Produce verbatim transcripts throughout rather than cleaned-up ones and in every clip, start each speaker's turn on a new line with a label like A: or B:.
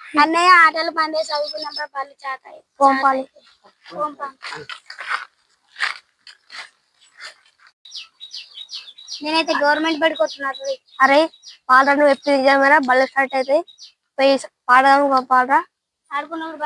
A: అన్నయ్య ఆటలు పండే చదువుకున్నప్పుడు పళ్ళు చాతాయి కోంపాలి నేనైతే గవర్నమెంట్ బడికి వస్తున్నారు.
B: అరే పాలరా నువ్వు ఎప్పుడు నిజమేనా బళ్ళు స్టార్ట్ అయితే పోయి పాడదాం పాలరా
A: ఆడుకున్నప్పుడు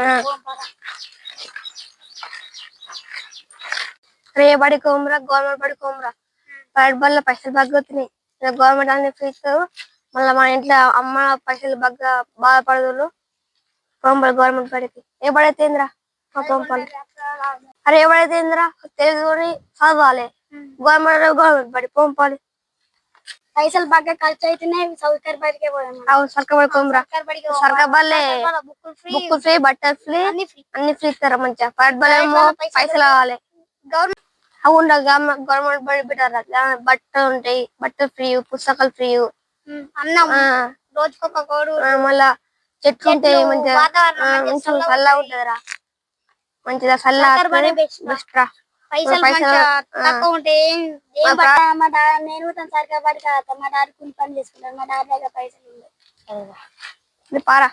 B: రే బడి కోమరా గవర్నమెంట్ బడి కోమరా ప్రైవేట్ బళ్ళ పైసలు బాగా వస్తున్నాయి. గవర్నమెంట్ అన్ని ఫ్రీ ఇస్తారు. మళ్ళీ మా ఇంట్లో అమ్మ పైసలు బాగా బాధపడదు. కోంపలు గవర్నమెంట్ బడికి ఏ బడైతే ఏందిరా మా కోంపలు. అరే ఏ బడైతే ఏందిరా తెలుగుని చదవాలి. గవర్నమెంట్ గవర్నమెంట్ బడి కోంపాలి.
A: పైసలు బాగా ఖర్చు అవుతున్నాయి. సౌకర్య బడికే పోదాం.
B: సర్కార్ బడి కోమరా సర్కార్ బళ్ళే బుక్ ఫ్రీ బట్టలు ఫ్రీ అన్ని ఫ్రీ ఇస్తారా మంచిగా. ప్రైవేట్ బళ్ళ ఏమో పైసలు కావాలి.
A: గవర్నమెంట్
B: అవును గవర్నమెంట్ బడి పెట్టారా బట్టలు ఉంటాయి. బట్టలు ఫ్రీ పుస్తకాలు ఫ్రీ
A: అన్నం రోజుకొక కోడు
B: మళ్ళా చెట్లు ఉంటాయి. మంచిగా మంచిగా చల్లగా ఉంటదిరా మంచిగా చల్లగా బెస్ట్ రా.
A: పైసలు తక్కువ ఉంటే మా డాడీ నేను సరిగ్గా పడి కాదు మా డాడీ కూలి పని చేసుకుంటాను. మా డాడీ దగ్గర పైసలు ఉండవు
B: పారా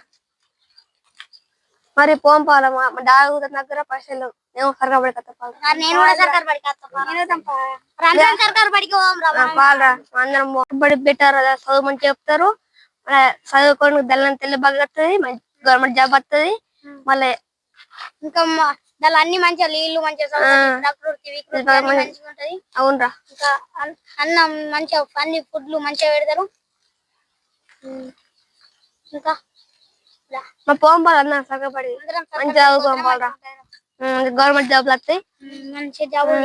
B: మరి పోం పాల మా డాడీ దగ్గర పైసలు నేను సరిగ్గా పడి కత్తా
A: నేను కూడా సర్కార్ బడికి సర్కార్ బడికి
B: పాలరా అందరం బడి పెట్టారు. చదువు మంచిగా చెప్తారు. చదువుకోవడానికి దళం తెల్ల బాగా వస్తుంది. గవర్నమెంట్ జాబ్ వస్తుంది. మళ్ళీ
A: ఇంకా దాని అన్ని మంచిగా నీళ్లు మంచిగా ఉంటది.
B: అవునరా
A: ఇంకా అన్నం మంచిగా అన్ని ఫుడ్లు మంచిగా పెడతారు. ఇంకా
B: మా పోంపాలి అన్న సగపడి మంచిగా చదువుకోవాలరా. గవర్నమెంట్ జాబ్లు వస్తాయి.
A: మంచిగా జాబులు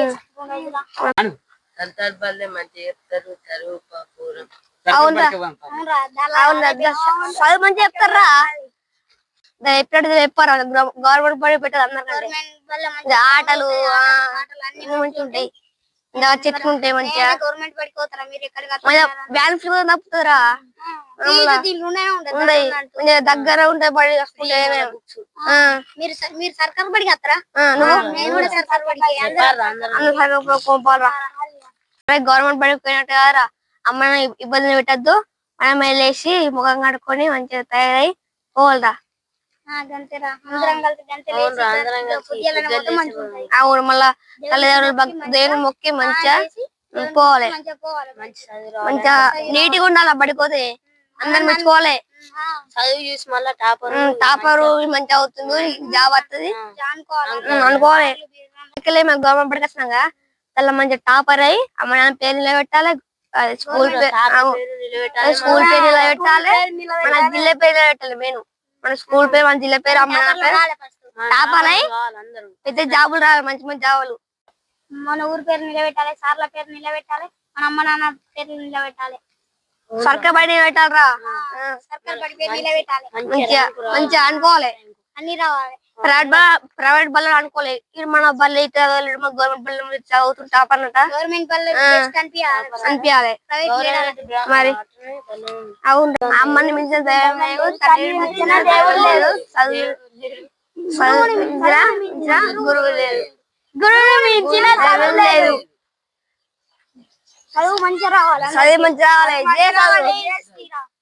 B: అవునరా అవునరా చదువు మంచిగా చెప్తారా. ఎప్పుడు చెప్పారా గవర్నమెంట్ బడి పెట్టారు అందరికంటే ఆటలు మంచిగా ఉంటాయి. ఇంకా చెట్లు ఉంటాయి మంచిగా.
A: గవర్నమెంట్ బడికి పోతారా మీరు?
B: వ్యాన్ ఫ్రీ తప్పుతారా దగ్గర ఉంటాయి బడి
A: మీరు మీరు సర్కార్ బడికి వస్తారా? నేను కూడా సర్కార్ బడికి
B: కోంపాలరా. గవర్నమెంట్ బడికి పోయినట్టు కదరా అమ్మని ఇబ్బందులు పెట్టద్దు. మనం వెళ్ళేసి ముఖం కడుక్కొని మంచిగా తయారై పోవాలరా. అవును మళ్ళా తల్లిదండ్రులు దేవుని మొక్కి మంచిగా పోవాలి. మంచిగా నీట్గా ఉండాలి. బడిపోతే అందరు మెచ్చుకోవాలి.
C: చదువు చూసి మళ్ళీ టాపర్
B: టాపరు మంచిగా అవుతుంది. జాబ్ వస్తుంది అనుకోవాలి. గవర్నమెంట్ బడికి వచ్చినాక తెల్ల మంచిగా టాపర్ అయ్యి అమ్మ నాన్న పేరు నిలబెట్టాలి. స్కూల్ స్కూల్ పేరు నిలబెట్టాలి. మన జిల్లా పేరు నిలబెట్టాలి. మెయిన్ మన స్కూల్ పేరు మన జిల్లా పేరు అమ్మ నాన్న పేరు టాపర్ అయ్యి పెద్ద జాబులు రావాలి. మంచి మంచి జాబులు
A: మన ఊరు పేరు నిలబెట్టాలి. సార్ల పేరు నిలబెట్టాలి. మన అమ్మ నాన్న పేరు నిలబెట్టాలి.
B: సర్కార్ బడి పెట్టాలరా.
A: సర్కార్ బడి పేరు నిలబెట్టాలి.
B: మంచిగా మంచిగా అనుకోవాలి.
A: అన్ని రావాలి.
B: ప్రైవేట్ ప్రైవేట్ బళ్ళు అనుకోవాలి. ఇది మన బళ్ళు గవర్నమెంట్ బళ్ళు చదువుతుంటా అన్నట
A: గవర్నమెంట్ బళ్ళు
B: అనిపించాలి మరి. అవును అమ్మని మించిన దైవం లేదు. తల్లిని మించిన దేవుడు లేదు. చదువు గురువు లేదు. గురువు మించిన దైవం లేదు.
A: చదువు మంచిగా రావాలి.
B: చదువు మంచిగా రావాలి.